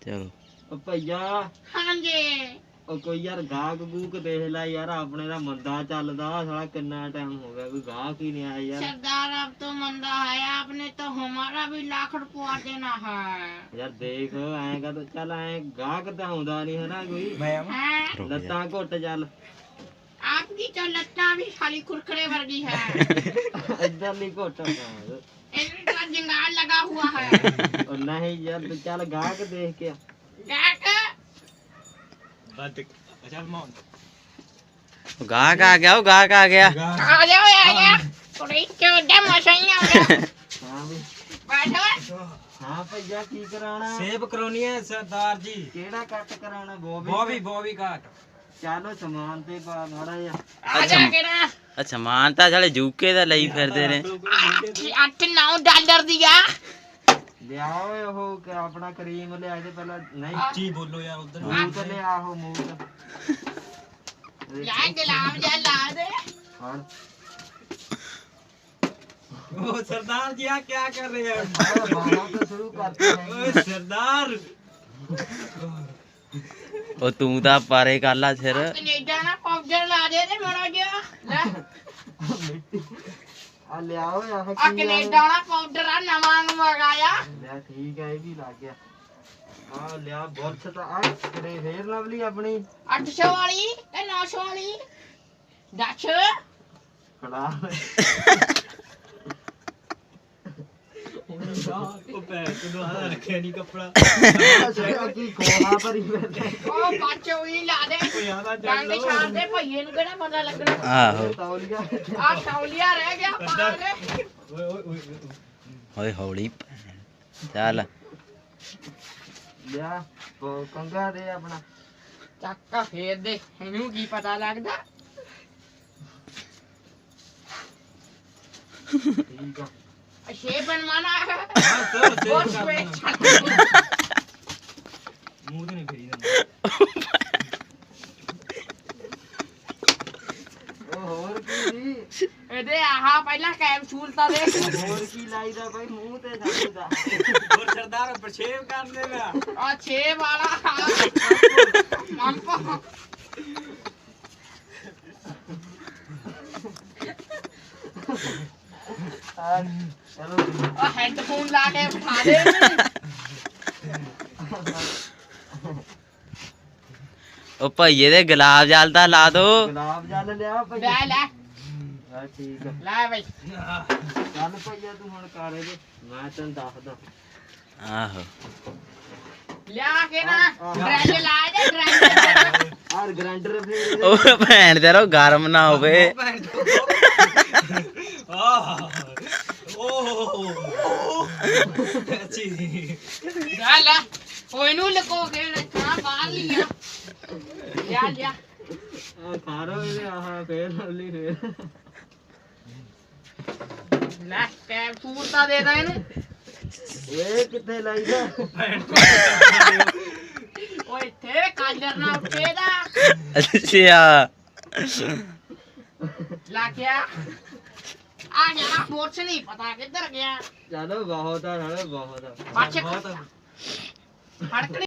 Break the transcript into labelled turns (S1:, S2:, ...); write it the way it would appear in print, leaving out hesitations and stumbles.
S1: ਚਲੋ
S2: ਉਹ ਭਈਆ
S3: ਹਾਂਜੀ
S2: ਉਹ ਕੋਈ ਯਾਰ ਗਾਹਕ ਗੂਕ ਦੇਖ ਲੈ ਯਾਰ, ਆਪਣੇ ਦਾ ਮੰਦਾ ਚੱਲਦਾ ਸਾਲਾ, ਕਿੰਨਾ ਟਾਈਮ ਹੋ ਗਿਆ ਕੋਈ ਗਾਹਕ ਹੀ ਨਹੀਂ ਆਇਆ ਯਾਰ।
S3: सरदार अब तो मंदा है, आपने तो हमारा भी लाख रुपया देना है।
S2: ਯਾਰ ਦੇਖ ਐਂ ਕਾ ਚੱਲ ਐਂ ਗਾਹਕ ਤਾਂ ਆਉਂਦਾ ਨਹੀਂ ਹੈ ਨਾ ਕੋਈ,
S3: हैं?
S1: ਰੁਕ ਜਾ।
S2: ਲੱਤਾਂ ਘੁੱਟ ਚੱਲ
S3: आपकी तो लत्ता भी खाली कुरकुरे वर्गी है।
S2: ਇੱਧਰ ਨਹੀਂ ਘੁੱਟ
S3: इनका जंगाल लगा हुआ है।
S2: ਉਹ ਨਹੀਂ ਯਾਰ ਤੂੰ ਚੱਲ ਗਾਹਕ ਦੇਖ ਕੇ ਆ।
S3: गाहक
S1: ਗਾਹਕ ਆ ਗਿਆ, ਉਹ ਗਾਹਕ ਆ ਗਿਆ।
S3: आ जाओ यार, थोड़ी चौदह मसाइयाँ हो गया।
S2: ਹਾਂ ਵੀ
S3: बैठो।
S2: ਹਾਂ ਭਈਆ ਕੀ ਕਰਾਉਣਾ?
S4: सेब करानी है सरदार जी।
S2: ਕਿਹੜਾ ਕੱਟ ਕਰਾਉਣਾ?
S4: बॉबी बॉबी काट।
S2: ਚਲੋ ਸਮਾਨ ਤੇ ਪਾ ਮਾੜਾ ਜਿਹਾ।
S3: आ जा के ना
S1: ਅੱਛਾ ਮਾਨ ਤਾਂ ਸਾਲੇ ਯੂਕੇ ਦਾ ਲਈ ਫਿਰਦੇ ਨੇ।
S3: 8-9 डॉलर दिया।
S2: ਲਿਆ ਓਏ ਉਹ ਆਪਣਾ ਕਰੀਮ ਲਿਆ ਕੇ ਪਹਿਲਾਂ। ਨਹੀਂ
S4: जी बोलो यार उधर।
S2: ਮੂੰਹ ਤੇ ਲਿਆ ਉਹ ਮੂੰਹ ਤੇ।
S3: यार गुलाब जल ला दे।
S2: ਹਾਂ
S4: ओ सरदार जी आप क्या कर रहे हैं?
S2: ਬਾਹਾਂ ਤੋਂ ਸ਼ੁਰੂ ਕਰਦੇ
S4: ओए
S2: ਹਾਂ।
S4: सरदार।
S1: ਉਹ ਤੂੰ ਤਾਂ ਪਾਰੇ ਕਰ ਲਾ ਸਿਰ।
S3: कनेडा ना पाउडर ला दे ते मोड़ा गया ले
S2: ਮਿੱਟੀ ਆ ਲਿਆ ਓਏ ਆਹ
S3: आ
S2: ਕੀ
S3: कनेडा ना पाउडर आ नवा नु मंगाया।
S2: ਲਿਆ ਠੀਕ ਹੈ ਇਹ ਵੀ ਲੱਗ ਗਿਆ। ਆ ਲਿਆ ਬੁਰਸ਼ ਤਾਂ ਆ ਕਿਹੜੇ ਫੇਰ ਲਵਲੀ ਆਪਣੀ
S3: 800 वाली ते 900 वाली 10
S2: ਖੜਾ
S4: ओ पैर तो दोबारा रखे नहीं कपड़ा।
S2: ਕੀ ਖੋਹਾ ਭਰੀ ਫਿਰਦਾ।
S3: ओ पाचो ही ला दे।
S4: ओ यार आ
S3: डंड
S4: चल
S3: छाड़ दे भईए नु केड़ा पता लगना।
S1: ਆਹੋ
S2: ਤੌਲੀਆ
S3: आ तौलिया रह गया पा दे।
S4: ओए ओए ओए।
S1: ਓਏ ਹੌਲੀ ਚੱਲ।
S2: ਲਿਆ ਕੰਗਾ ਦੇ ਆਪਣਾ।
S3: ਚੱਕਾ ਫੇਰ ਦੇ ਇਹਨੂੰ ਕੀ ਪਤਾ ਲੱਗਦਾ।
S2: ਠੀਕ ਆ
S3: ਸ਼ੇ ਬਣਵਾਣਾ ਹੈ
S4: हां सर
S3: ਬਹੁਤ
S4: सेब
S3: ਸਵੇ
S4: काटना। मुंह तो नहीं फेरी ना।
S2: ਉਹ ਹੋਰ ਕੀ ਸੀ?
S3: ਇਹਦੇ ਆਹਾ ਪਹਿਲਾਂ ਕੈਪਸੂਲ ਤਾਂ ਦੇ।
S2: ਹੋਰ ਕੀ ਲਾਈਦਾ ਭਾਈ ਮੂੰਹ ਤੇ ਸਾਡਾ।
S4: और सरदार पर सेब काट देगा।
S3: ਆ 6 ਵਾਲਾ ਮੰਪਾ
S2: ਆ ਚਲੋ
S3: ਆ ਹੈਡਫੋਨ ਲਾ ਕੇ ਬਿਠਾ ਦੇ
S1: ਉਹ ਭਈਏ ਦੇ ਗੁਲਾਬ ਜਲ ਤਾਂ ਲਾ ਦੋ।
S2: ਗੁਲਾਬ ਜਲ ਲਿਆ ਭਾਈ।
S3: ਲੈ ਲੈ
S2: ਆ ਠੀਕ ਆ
S3: ਲੈ ਬਈ
S2: ਚੱਲ ਭਈਆ ਤੂੰ ਹੁਣ ਕਰ ਇਹਦੇ, ਮੈਂ ਤੈਨੂੰ ਦੱਸਦਾ।
S1: ਆਹੋ
S3: ਲਿਆ ਕੇ ਨਾ ਡਰੈਜ ਲਾ ਦੇ ਡਰੈਜ।
S2: ਆਰ ਗ੍ਰਾਈਂਡਰ ਫੇਰ
S1: ਉਹ ਭੈਣ ਤੇਰਾ ਗਰਮ ਨਾ ਹੋਵੇ।
S3: ਲੈ ਲੈ ਉਹ ਇਹਨੂੰ ਲਕੋ ਕੇ ਰੱਖਣਾ ਬਾਹਰ ਲਿਆ। ਲਿਆ ਲਿਆ
S2: ਆ ਖਾਰੋ ਇਹਦੇ ਆਹ ਫੇਰ ਲਵਲੀ ਫੇਰ।
S3: ਲੈ ਕੈਪਸੂਲ ਤਾਂ ਦੇ ਦਾ ਇਹਨੂੰ।
S2: ਇਹ ਕਿੱਥੇ ਲਾਈਦਾ?
S3: ਓਏ ਇੱਥੇ ਕਾਲਰ ਨਾ ਉੱਤੇ ਦਾ
S1: ਅੱਛਾ
S3: ਲਾ ਗਿਆ। ਆ ਗਿਆ ਬੋਰਸ ਨਹੀਂ ਪਤਾ ਕਿੱਧਰ ਗਿਆ।
S2: ਚਲੋ ਬਹੁਤ ਆ ਨਾਲੇ ਬਹੁਤ ਆ।
S3: ਬੱਚ ਫੜਕ